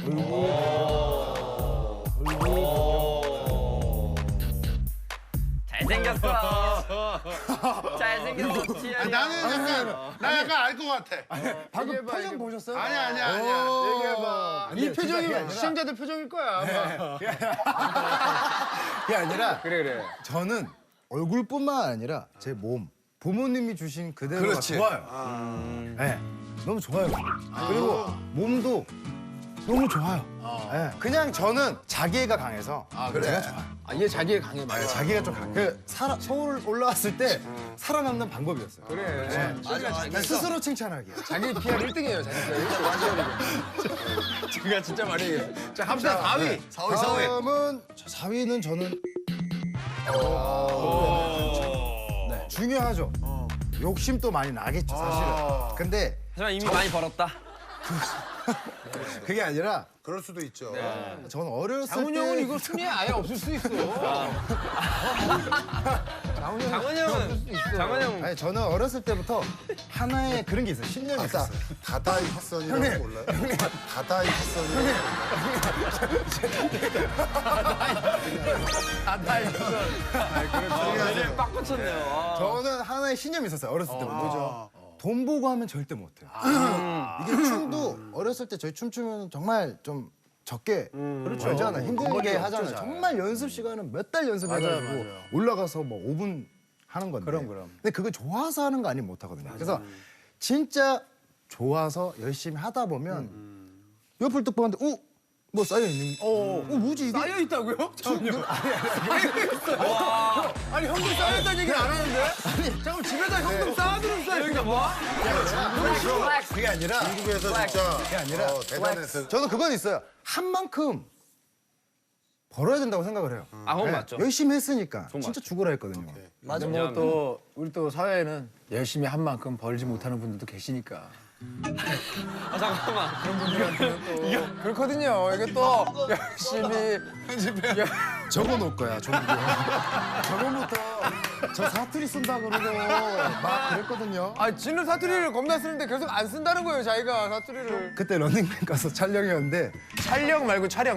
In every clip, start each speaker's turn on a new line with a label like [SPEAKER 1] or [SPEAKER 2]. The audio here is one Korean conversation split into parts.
[SPEAKER 1] 잘생겼어. 잘생겼어.
[SPEAKER 2] 아니, 나 약간 알 것 같아.
[SPEAKER 3] 방금 표정 보셨어요?
[SPEAKER 2] 아니야.
[SPEAKER 3] 얘기해봐.
[SPEAKER 2] 이 표정이 시청자들 표정일 거야. 아마.
[SPEAKER 3] 그게 아니라
[SPEAKER 4] 그래.
[SPEAKER 3] 저는 얼굴뿐만 아니라 제 몸, 부모님이 주신 그대로가
[SPEAKER 2] 그렇지.
[SPEAKER 3] 좋아요. 네, 너무 좋아요. 그리고 몸도 너무 좋아요. 네, 그냥 저는 자기애가 강해서 제가 좋아요.
[SPEAKER 4] 얘 자기애 강해 맞아.
[SPEAKER 3] 자기가 좀 강해. 서울 올라왔을 때 살아남는 방법이었어요.
[SPEAKER 4] 그래.
[SPEAKER 3] 그냥 스스로 칭찬하기.
[SPEAKER 4] 자기 PR 1등이에요. 자기 PR 1등 완전히. 제가 진짜 많이 얘기해요. 자 갑시다 4위.
[SPEAKER 3] 4위는 4위는 저는 네, 중요하죠. 욕심도 많이 나겠죠 사실은. 근데
[SPEAKER 1] 하지만 이미 많이 벌었다.
[SPEAKER 3] 그게 아니라
[SPEAKER 2] 그럴 수도 있죠.
[SPEAKER 3] 저는 어렸을
[SPEAKER 4] 장훈
[SPEAKER 3] 때
[SPEAKER 4] 형은 이거 순위에 아예 없을 수 있어.
[SPEAKER 1] 장원 형.
[SPEAKER 3] 아니 저는 어렸을 때부터 하나의 그런 게 있어요. 신념이 있었어요.
[SPEAKER 2] 다다이 핫선이라고 몰라요? 다다이 핫선이라고
[SPEAKER 1] 요즘 빡 꽂혔네요.
[SPEAKER 3] 저는 하나의 신념이 있었어요. 어렸을 때부터. 뭐죠? 돈 보고 하면 절대 못해요. 이게 춤도 어렸을 때 저희 춤추면 정말 좀 적게 알잖아요. 힘들게 하잖아요. 정말 연습 시간은 몇 달 연습해가지고 올라가서 뭐 5분 하는 건데.
[SPEAKER 4] 그럼.
[SPEAKER 3] 근데 그거 좋아서 하는 거 아니면 못 하거든요. 그래서 진짜 좋아서 열심히 하다 보면 옆을 딱 보는데 뭐 쌓여 있는. 뭐지 이게?
[SPEAKER 4] 쌓여 있다고요? 장훈 형. 아니 현금 쌓였다는 얘기는 안 하는데? 아니 잠깐 집에다 현금 쌓아두는 쌓여 있나 봐.
[SPEAKER 3] 그게 아니라.
[SPEAKER 2] 중국에서 진짜
[SPEAKER 3] 그게 아니라.
[SPEAKER 2] 대단했어요.
[SPEAKER 3] 저는 그건 있어요. 한 만큼 벌어야 된다고 생각을 해요.
[SPEAKER 1] 아, 그건
[SPEAKER 3] 네,
[SPEAKER 1] 맞죠.
[SPEAKER 3] 열심히 했으니까 진짜 죽으라 했거든요.
[SPEAKER 4] 맞아. 뭐또 우리 또 사회에는 열심히 한 만큼 벌지 못하는 분들도 계시니까.
[SPEAKER 1] 아, 잠깐만.
[SPEAKER 4] 또 그렇거든요. 이게 또 열심히
[SPEAKER 3] 적어놓을 거야, 종국이. 저번부터 저 사투리 쓴다 그러고 막 그랬거든요.
[SPEAKER 4] 아 지는 사투리를 겁나 쓰는데 계속 안 쓴다는 거예요. 자기가 사투리를.
[SPEAKER 3] 그때 런닝맨 가서 촬영이었는데
[SPEAKER 4] 촬영 말고 촬영.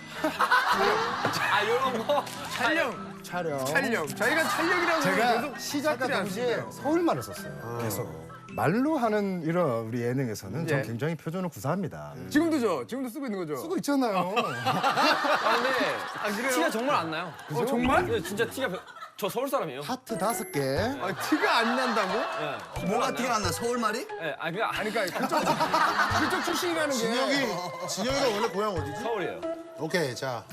[SPEAKER 1] 아, 요런 거.
[SPEAKER 4] 촬영.
[SPEAKER 3] 촬영.
[SPEAKER 4] 자기가 촬영이라고
[SPEAKER 3] 제가
[SPEAKER 4] 계속
[SPEAKER 3] 시작과
[SPEAKER 4] 사투리 안
[SPEAKER 3] 동시에
[SPEAKER 4] 쓰세요.
[SPEAKER 3] 서울말을 썼어요. 계속. 말로 하는 이런 우리 예능에서는 전
[SPEAKER 4] 예.
[SPEAKER 3] 굉장히 표준을 구사합니다.
[SPEAKER 4] 지금도 쓰고 있는 거죠.
[SPEAKER 3] 쓰고 있잖아요.
[SPEAKER 1] 아, 근데 티가 정말 안 나요.
[SPEAKER 4] 정말?
[SPEAKER 1] 네, 진짜 티가 저 서울 사람이에요.
[SPEAKER 3] 하트 5개.
[SPEAKER 4] 아, 티가 안 난다고?
[SPEAKER 1] 네.
[SPEAKER 5] 뭐가 티가 안 나? 서울말이?
[SPEAKER 1] 네, 아, 그러니까
[SPEAKER 4] 아니 그러니까 그쪽 출신이라는 게.
[SPEAKER 2] 진혁이가 원래 고향 어디지?
[SPEAKER 1] 서울이에요.
[SPEAKER 2] 오케이, 자.